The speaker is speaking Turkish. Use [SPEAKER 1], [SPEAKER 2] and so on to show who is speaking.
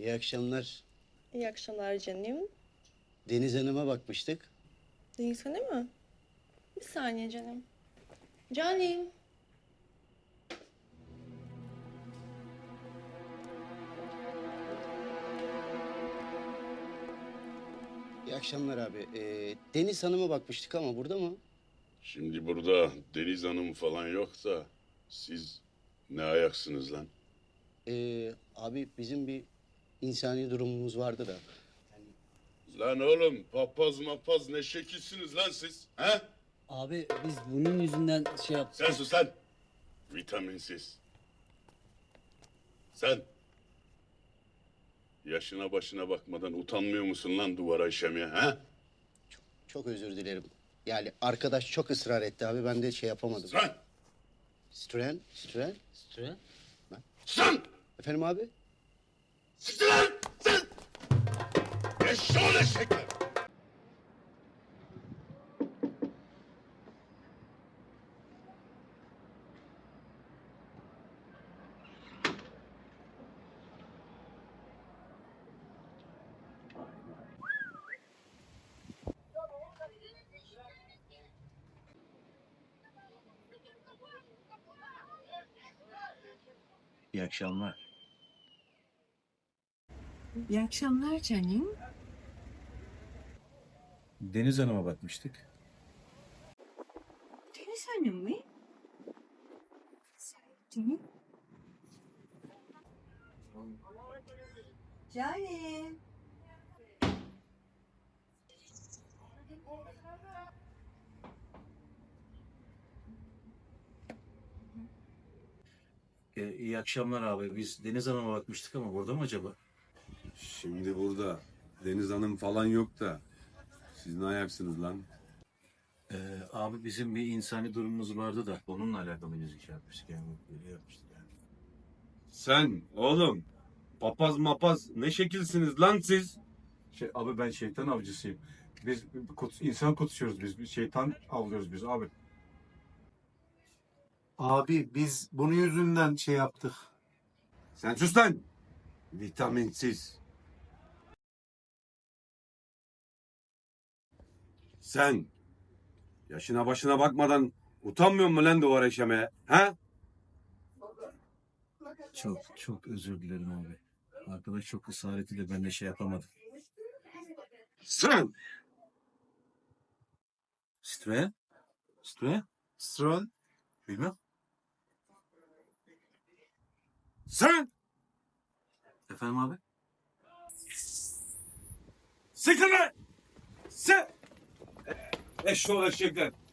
[SPEAKER 1] İyi akşamlar.
[SPEAKER 2] İyi akşamlar canım.
[SPEAKER 1] Deniz Hanım'a bakmıştık.
[SPEAKER 2] Değilsene mi? Bir saniye canım. Canım.
[SPEAKER 1] İyi akşamlar abi. Deniz Hanım'a bakmıştık ama burada mı?
[SPEAKER 3] Şimdi burada Deniz Hanım falan yok da siz ne ayaksınız lan?
[SPEAKER 1] Abi bizim bir insani durumumuz vardı da.
[SPEAKER 3] Lan oğlum papaz mapaz ne şekilsiniz lan siz? He?
[SPEAKER 4] Abi biz bunun yüzünden şey yaptık.
[SPEAKER 3] Sen sus lan. Vitaminsiz. Sen. Yaşına başına bakmadan utanmıyor musun lan duvara işemeye he?
[SPEAKER 1] Çok özür dilerim. Yani arkadaş çok ısrar etti abi. Ben de şey yapamadım.
[SPEAKER 3] Sen.
[SPEAKER 1] Stren.
[SPEAKER 4] Süre.
[SPEAKER 3] Sen.
[SPEAKER 1] Efendim abi?
[SPEAKER 3] Siktir lan. Sen. Eşşoğlu eşekler.
[SPEAKER 5] İyi akşamlar.
[SPEAKER 6] İyi akşamlar canım.
[SPEAKER 5] Deniz Hanım'a bakmıştık.
[SPEAKER 6] Deniz Hanım mı? Canım. Canım.
[SPEAKER 5] İyi akşamlar abi. Biz Deniz Hanım'a bakmıştık ama burada mı acaba?
[SPEAKER 7] Şimdi burada Deniz Hanım falan yok da siz ne ayaksınız lan?
[SPEAKER 5] Abi bizim bir insani durumumuz vardı da onunla alakalı biz şey yapmıştık yani. Böyle yapmıştık yani.
[SPEAKER 7] Sen oğlum papaz mapaz ne şekilsiniz lan siz?
[SPEAKER 8] Abi ben şeytan avcısıyım. Biz insan kutsuyoruz biz. Şeytan avlıyoruz biz abi.
[SPEAKER 9] Abi biz bunun yüzünden şey yaptık.
[SPEAKER 7] Sen sus lan! Vitaminsiz. Sen yaşına başına bakmadan utanmıyor musun lan duvara işemeye? Ha?
[SPEAKER 5] Çok özür dilerim abi. Arkadaş çok ısrar etti de ben de şey yapamadım.
[SPEAKER 7] Sen!
[SPEAKER 5] Süre?
[SPEAKER 9] Stron.
[SPEAKER 5] Bilmem.
[SPEAKER 7] Sen!
[SPEAKER 5] Efendim abi?
[SPEAKER 7] Siktir lan! Sen! Eşşoğlu eşekler!